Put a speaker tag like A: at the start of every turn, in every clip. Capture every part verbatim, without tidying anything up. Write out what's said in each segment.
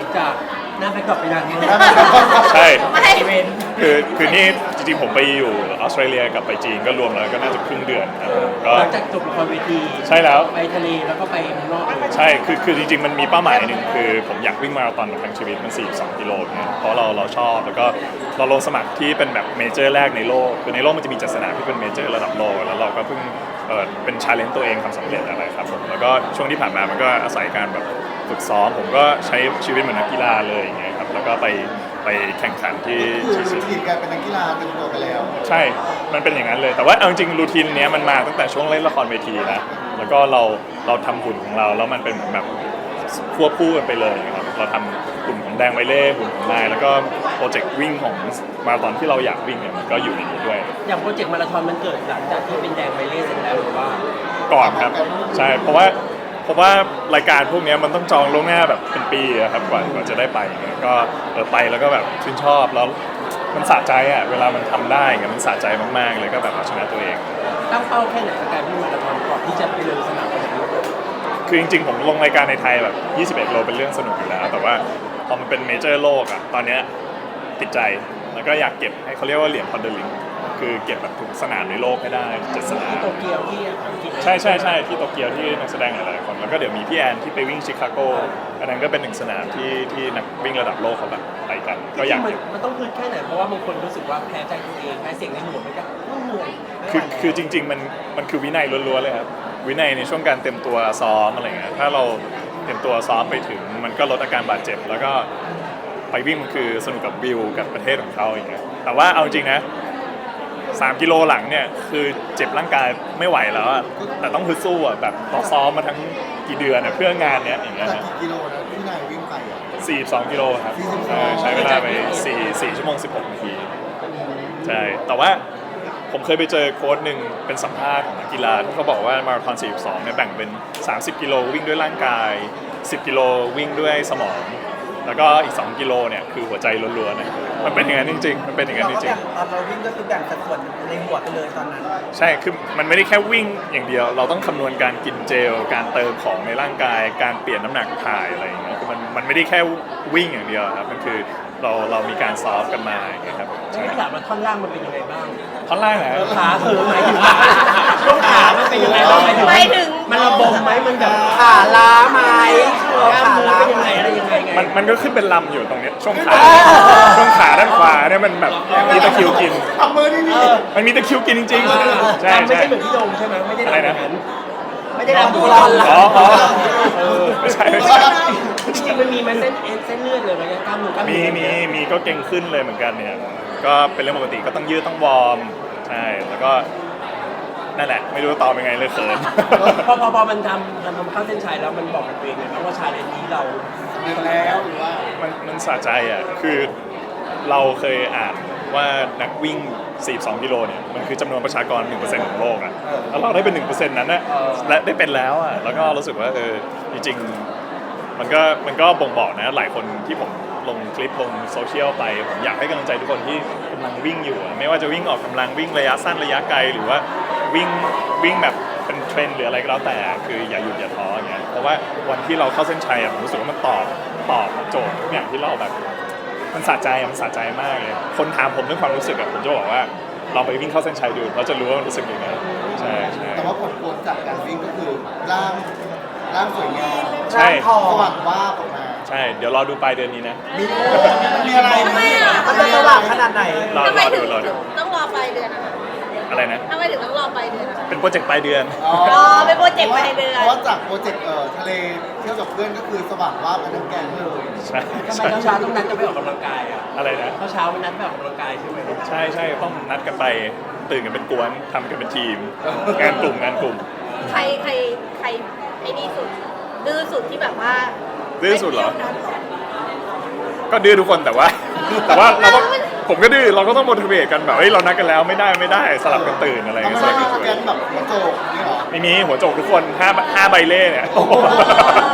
A: จากหน้าแบ็คดรอปไปนานมาก
B: ใช่
C: ไม่
A: อีเวนต์
B: คือคือนี่จริงๆผมไปอยู่ออสเตรเลียกับไปจีนก็รวมแล้วก็น่าจะครึ่งเดือนครับก็
A: หลังจากจบละครเวที
B: ใช่แล้ว
A: ไปทะเลแล้วก็ไปเมืองนอกเลย
B: ใช่คือคือจริงๆมันมีเป้าหมายหนึ่งคือผมอยากวิ่งมาราธอนทั้งชีวิตมันสี่สิบสองกิโลเนี่ยเพราะเราเราชอบแล้วก็เราลงสมัครที่เป็นแบบเมเจอร์แรกในโลกคือในโลกมันจะมีจัดสนามที่เป็นเมเจอร์ระดับโลกแล้วเราก็เพิ่งเออเป็นชาเลนจ์ตัวเองทำสำเร็จอะไรครับผมแล้วก็ช่วงที่ผ่านมามันก็อาศัยการแบบฝึกซ้อมผมก็ใช้ชีวิตเหมือนนักกีฬาเลยอย่างเงี้ยครับแล้วก็ไปไปแข่งขันที่
D: คือ
B: ที่
D: รูทีนการเป็นนักกีฬาเต็มตัวไปแล้ว
B: ใช่ มันเป็นอย่างนั้นเลย แต่ว่าเอาจริงๆรูทีนเนี้ยมันมาตั้งแต่ช่วงเล่นละครเวทีนะ แล้วก็เราเราทำหุ่นของเรา แล้วมันเป็นเหมือนแบบควบคู่กันไปเลยนะครับ เราทำหุ่นของแดงไวเล่หุ่นของนาย แล้วก็โปรเจกต์วิ่งของมาราธอนที่เราอยากวิ่งเนี่ยมันก็อยู่ในนี้ด้วย
A: อย่างโปรเจกต์มาราธอนมันเกิดหลังจากที่เป็นแดงไปเล่เสร็จแล้วหรือว่า
B: ก่อนครับ ใช่ เพราะว่าเพราะว่ารายการพวกเนี้ยมันต้องจองล่วงหน้าแบบเป็นปีอะครับกว่ากว่าจะได้ไปเนี่ยก็เออไปแล้วก็แบบชื่นชอบแล้วมันสะใจอ่ะเวลามันทำได้เงี้ยมันสะใจมากๆเลยก็แบบเอาชนะตัวเอง
A: ตั้งเป้าแค่ไหนกับการวิ่งมาราธอนก่อนที่จะไปลงสนามวันนั้น
B: คือจริงๆผมลงรายการในไทยแบบยี่สิบเอ็ดโลเป็นเรื่องสนุกอยู่แล้ว แต่ว่าพอมันเป็นเมเจอร์โลกอ่ะตอนเนี้ยติดใจแล้วก็อยากเก็บให้เขาเรียกว่าเหรียญพอนเดอร์ลิงคือเก็บแบบทุกสนามในโลกให้ได้เจ็ดสนาม
A: ที่โตเกียวที่อังกฤษ
B: ใช่ใช่ใช่ที่โตเกียวที่นักแสดงหลายๆคนแล้วก็เดี๋ยวมีพี่แอนที่ไปวิ่งชิคาโกอันนั้นก็เป็นหนึ่งสนามที่ที่นักวิ่งระดับโลกเขาแบบไปกันก็อยาก
A: มัน
B: เก็บ
A: มันต้องพื้นแค่ไหนเพราะว่าบางคนรู้สึกว่าแพ้ใจตัวเองแพ้เสียงในหัวมันก็เหนื่อยไม่ไหว
B: คือ
A: แล้ว
B: คือจริงๆมันมันคือวินัยล้วนๆเลยครับวินัยในช่วงการเตรียมตัวซ้อมอะไรเงี้ยถ้าเราเตรียมตัวซ้อมไปถึงมันก็ลดอาการบาดเจ็บแล้วก็ไปวิ่งมันคือสนุกกับวิวกับประเทศของเขาอย่างเงี้ยแต่ว่าเอาจริงนะสามกิโลหลังเนี่ยคือเจ็บร่างกายไม่ไหวแล้วอะแต่ต้องฮึดสู้อะแบบเราซ้อมมาทั้งกี่เดือนอะเพื่องานเนี้ยอย่างเงี้ย
D: จาก
B: นะ
D: กี่กิโลนะที่นายวิ่งไปอ่ะ
B: สี่สิบสองกิโลครับ
D: สี่สิบสอง
B: เออใช้เวลาไปสี่ สี่ชั่วโมงสิบหกนาทีใช่แต่ว่าผมเคยไปเจอโค้ชหนึ่งเป็นสัมภาษณ์ของนักกีฬาที่เขาบอกว่ามาราธอนสี่สิบสองเนี่ยแบ่งเป็นสามสิบกิโลวิ่งด้วยร่างกายสิบกิโลวิ่งด้วยสมองแล้วก็อีกสองกิโลเนี่ยคือหัวใจล้วนๆนะมันเป็นอย่างนั้นจริงๆมันเป็นอย่างนั้นจริงๆ
E: ตอนเราวิ่งก็คือแบ่งสัดส่วนในหัวไปเลยตอนนั้น
B: ใช่ คือมันไม่ได้แค่วิ่งอย่างเดียว เราต้องคำนวณการกินเจล การเติมของในร่างกาย การเปลี่ยนน้ำหนักถ่ายอะไรอย่างเงี้ย คือมันมันไม่ได้แค่วิ่งอย่างเดียวครับ มันคือเราเรามีการซ้อมกันมาอย่างเงี้ยครับ
A: ใช่ถามว่าท่อนล่างมันเป็นยังไงบ้าง
B: ท่อนล่างนะ
A: ขาเธอหมายถึงว่าช่วงขามันเป็นยังไงบ้างหมายถึง
C: ไปถึง
A: มันระบมไหมมันแบบ
E: ขาล้าไหม
A: กล้าม
E: ขา
A: เนื้อ
E: ล้า
A: เป็นยังไงอะไรยังไงไง
B: มันมันก็ขึ้นเป็นลำอยู่ตรงเนี้ยช่วงขา ช่วงขาด้านขวาเนี่ยมันแบบมีตะคริวกิน
D: ทำมือนี่นี่
B: มันมีตะคริวกินจริงๆ ใช่
A: ไม่
B: ใช่
A: ใช่เหมือนที่โดมใช่ไหมไม่ได้
B: อะไร
A: ทำอ
B: นะ
A: ย่างนั้น
E: ไม่ได้ทำดูรอน
B: อ๋ออ๋อเออไม่ใช่ไม่ใช่
A: จริงๆมันมีไหมเส้นเอ็นเส้นเลือดเลยไหมกล้ามเนื้อกล้าม
B: มี
A: เนื้อ
B: มีมีก็เก่งขึ้นเลยเหมือนกันเนี่ยก็เป็นเรื่องปกติก็ต้องยืดต้องวอร์มใช่แล้วก็นั่นแหละไม่รู้ตอบยังไงเลยเขิน
A: พอพอพอมันทำทำทำเข้าเส้นชัยแล้วมันบอกกับตัวเองเลยนะว่าชาเลนจ์นี้เรา
D: เดือนแล้วหรือว่า
B: มันมันสะใจอ่ะคือเราเคยอ่านว่านักวิ่งสี่สิบสองกิโลเนี่ยมันคือจำนวนประชากร หนึ่งเปอร์เซ็นต์ ของโลกอ่ะแล้วเราได้เป็น หนึ่งเปอร์เซ็นต์ นั้นนะและได้เป็นแล้วอ่ะแล้วก็รู้สึกว่าเออจริงๆมันก็มันก็บ่งบอกนะหลายคนที่ผมลงคลิปลงโซเชียลไปผมอยากให้กำลังใจทุกคนที่กำลังวิ่งอยู่อะไม่ว่าจะวิ่งออกกำลังวิ่งระยะสั้นระยะไกลหรือว่าวิ่งวิ่งแบบเป็นเทรนด์หรืออะไรก็แล้วแต่คืออย่าหยุดอย่าท้ออย่างเงี้ยเพราะว่าวันที่เราเข้าเส้นชัยอะผมรู้สึกว่ามันตอบตอบโจทย์ทุกอย่างที่เราแบบมันสะใจอะมันสะใจมากเลยคนถามผมเรื่องความรู้สึกอะผมจะบอกว่าเราไปวิ่งเข้าเส้นชัยดูเราจะรู้ว่ามันรู้สึกยังไงใช่ใช่
D: แต่ว่าผลพวงจากการวิ่งก็คือร่างร่างสวยงาม
B: ใช่
E: ทอ
D: ส
E: ง
D: ว่างว่าบออกมา
B: ใช่เดี๋ยวรอดูปลายเดือนนี้นะ
D: มีมีอะไร
C: ทำไมอ่ะ
E: มันจะสว่างขนาดไหน
B: รอ
C: ทำไม
B: รอ
C: ถึ
B: ดู
C: ง
B: รอดู
C: ต้องรอปลายเดือนนะคะ
B: อะไรนะ
C: ทำไมถึงต้องรอปลายเดือนอะ
B: เป็นโปรเจกต์ปลายเดือน
D: อ๋อ
C: อ๋อเป็นโปรเจกต์ปลายเดือน
D: เพราะว่าจากโปรเจกต์เอ่อทะเลเที่ยวกับเพื่อนก็คือสว่างว่าบกันทั้งแกงเลย
B: ใช่
A: ทำไม
B: ใช่
A: เช้าๆต้องนัดจะไปออกกำลังกายอ่ะ
B: อะไรนะ
A: เช้าๆมันนัดไปออกกำลังกายใช่ไหม
B: ใช่ใช่ต้องนัดกันไปตื่นกันเป็นกวนทำกันเป็นทีม งานกลุ่มงานกลุ่ม
C: ใครใครใครไอ้นี่สุดดื้อสุดที่แบบว่า
B: ดื้อสุดเหรอ
C: ไม่ที่ยวกัน
B: ก็ดื้อทุกคนแต่ว่า แต่ว่าเราต้องผมก็ดื้อเราก็ต้อง motivate กันแบบเฮ้ยเรานัดกันแล้วไม่ได้ไม่ได้สลับกันตื่นอะไร
D: ทำ
B: เงี้
D: ไม
B: ยส
D: ไม่
B: ลับกัน
D: มาแก
B: ตื่
D: ง
B: น
D: แบบหัวโจกนี่หรอ
B: ไม่มีหัวโจกทุกคนห้าห้าใบเล่เนี่ย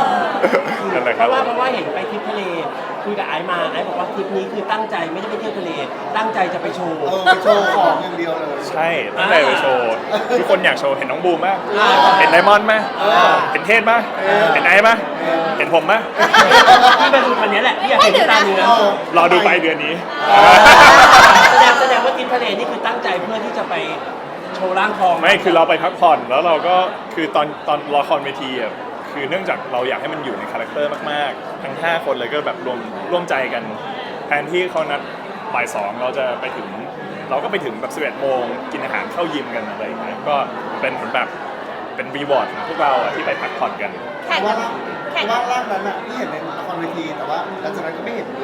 B: นั่นแหละค
A: เพ
B: รับ
A: ราะว่าเพราะว่าเห็นไปทริปทะเลคุยกับไอซ์มาไอซ์บอกว่าทริปนี้คือตั้งใจไม่ได้ไปเที่ยวทะเล ตั้งใจจะไปโชว์
D: เออไปโชว์ของอย่างเดียวเลย
B: ใช่ตั้งแต่ไปโชว์ทุกคนอยากโชว์เห็นน้องบูมไหม
A: อ่า
B: เห็นไดมอนด์ไหมเห็นเทศไหมเห็นไอซ์ไหมเห็นผมไหม
A: ที่มาดูวันนี้แหละที่อยากเห็นตาเนื้อ
B: รอดูไปลายเดือนนี้
A: แสดงแสดงว่าทริปทะเลนี่คือตั้งใจเพื่อที่จะไปโชว์ร่างทอง
B: ไม่คือเราไปพักผ่อนแล้วเราก็คือตอนตอนละครเวทีอ่ะคือเนื่องจากเราอยากให้มันอยู่ในคาแรคเตอร์มากๆ ทั้งห้าคนเลยก็แบบรวมร่วมใจกันแทนที่เขานัดบ่ายสองเราจะไปถึง เราก็ไปถึงแบบสิบเอ็ดโมงกินอาหารเข้ายิมกันอะไรอย่างเงี้ยก็เป็นเหมือนแบบเป็นรีวอร์ดของพวกเราอะที่ไปพักผ่อนกัน
C: แข่ง
D: ว่า
C: กัน
D: ร่าง
C: แข่ง
D: ว่าร่างนั้นอ่ะที่เห็นในละครเวทีแต่ว่าหลังจากนั้นก็ไม่เห็นเลย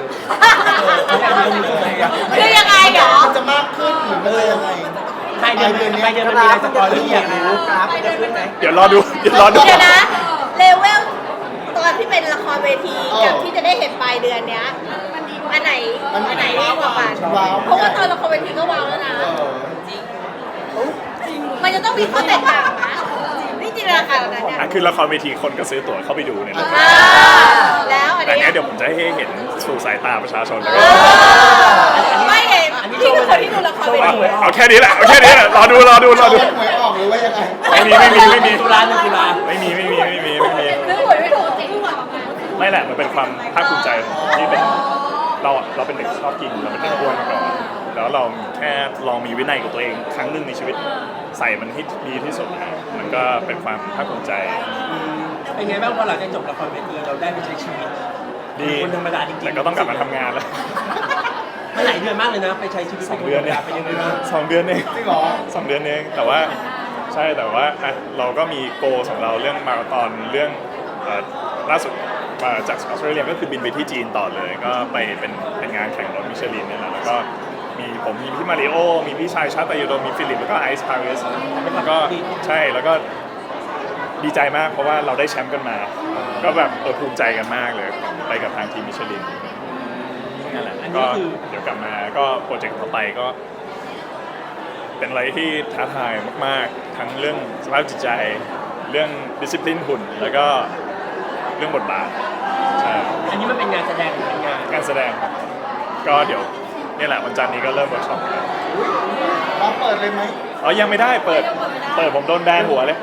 C: คือยังไงเหรอ
D: มันจะมากขึ้นหรือมันจะยังไง
A: ไปเดือนไปเดือนมันมีอะไรสปอยล์ที่อยากรู้
E: กราฟจะขึ้นไหม
B: เดี๋ยวรอดูเดี๋ยวรอดู
C: เดี๋ยวนะ เลเวลตอนที่เป็นละครเวทีกับที่จะได้เห็นปลายเดือนเนี้ยอันไหนอันไหนดีกว่ากัน
D: ว้าว
C: เพราะว่าตอนละครเวทีก็ว้าวแล้วนะ
D: เออ
C: มันจะต้องมีข้อแตกต่างนะนี่จินตนาการแบบนั้นเนี่ย
B: อ่ะคือละครเวทีคนก็ซื้อตั๋วเข้าไปดูเนี่ยแหละ
C: อ่าแล้วอัน
B: แต่อัน
C: เนี้
B: เนี้
C: ย
B: ยเดี๋ยวผมจะให้เห็นสู่สายตาประชาชนแล้วก็
C: ไม่เห็นพี่คือคนที่ดูละครเวที
B: เอาแค่นี้แหละเอาแค่นี้แหละรอดูรอดูรอดู
D: หวยออกหรือว่ายังไง
B: ไม่มีไม่มีไม่มี
A: ตุลาหนึ่งตุลา
B: ไม่มีไม่มีไม่มีไม่มี
C: ซื้อหวยไม่ถูกจริงหวย
B: ไม่แหละมันเป็นความภาคภูมิใจที่เป็นเราเราเป็นเด็กชอบกินเราเป็นเด็กอ้วนมาก่อนแล้วเราแค่ลองมีวินัยกับตัวเองครั้งหนึ่งในชีวิตใส่มันให้ดีที่สุดนะมันก็เป็นความภาคภูมิใจ
A: เป็นไงบ้างพอหลังจากจบละครเวทีเราได้ไปใช้ชีวิต
B: ดี
A: คนธรรมดาจริงๆ
B: แต่ก็ต้องกลับมาทำงานแล้ว
A: มันหลายเดือนมากเลยนะ ไปใช้ชีวิต
B: สองเดือนเนี่ย
A: เป็นยังไงบ้าง
B: สองเดือนเอง
D: จริงเหรอ
B: สองเดือนเองแต่ว่าใช่แต่ว่าอ่ะเราก็มีโกของเราเรื่องมาราธอนเรื่องเอ่อล่าสุดมาจากออสเตรเลียก็คือบินไปที่จีนต่อเลย ก็ไปเป็นเป็นงานแข่งรถมิชลินเนี่ยแหละแล้วก็มีผมมีพี่มาริโอมีพี่ชายชาตยโดมีฟิลิปแล้วก็ไอซ์พาริสแล้วก็ใช่แล้วก็ดีใจมากเพราะว่าเราได้แชมป์กันมา ก็แบบเออภูมิใจกันมากเลยไปกับทางทีมมิชลินนั่นแหละ
A: อัน
B: ก็
A: นี้คือ
B: เดี๋ยวกลับมาก็โปรเจกต์ต่อไปก็ เป็นอะไรที่ท้าทายมากๆ ทั้งเรื่องสภาพจิตใจ เรื่องดิสซิ p ลินหุ่น แล้วก็เรื่องบทบาทใช่
A: อันนี้มันเป็นงานแสดงหรือเป็นงาน
B: การแสดงครับก็เดี๋ยวนี่แหละวันจันทร์นี้ก็เริ่มเวิร์กช็อปแล้ว
D: เราเปิดเลยไหม
B: อ๋อยังไม่ได้เปิด เปิดผมโดนแบนหัวเลย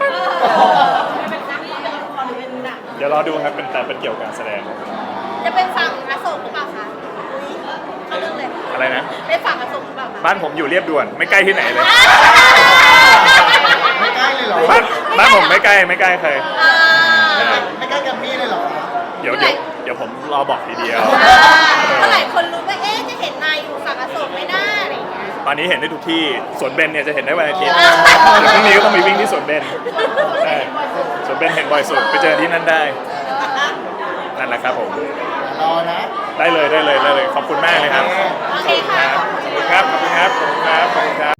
B: เดี๋ยวรอดูครับเป็นแต่เป็นเกี่ยวกับการแสดง
C: จะเป็นฝั่งอโศกหรือเปล่าคะอุ๊ยเข้าเรื่องเลย
B: อะไรนะ
C: เป็นฝั่งอโศกหรือเปล่าคะ
B: บ้านผมอยู่เรียบด่วนไม่ใกล้ที่ไหนเลย
D: ไม่ใกล้เลยเหรอ
B: บ้านบ้านผมไม่ใกล้ไม่ใกล้ใคร
C: อ่า
D: ไม่ใกล้กับมี่เลยเหรอ
B: เดี๋ยวเดี๋ยวเดี๋ยวผมรอบอกทีเดียว
C: เมื่อไหร่คนรู้ว่าเอ๊ะจะเห็นนายอยู่ฝั่งอโศกไหม่น่าอะไรอย่างเงี้ย
B: ตอนนี้เห็นได้ทุกที่สวนเบนเนี่ยจะเห็นได้วันอาทิตย์
C: อ่า
B: เดี๋ยวพรุ่งนี้ก็ต้องมีวิ่งที่สวนเบนใช่สวนเบนเห็นบ่อยสุดไปเจอที่นั่นได้นั่นแหละครับผม
D: รอนะ
B: ได้เลยได้เลยได้เลยขอบคุณมากเลยครับ
C: โอเคค่ะ
B: ขอบคุณครับขอบคุณครับขอบคุณครับขอบคุณครับ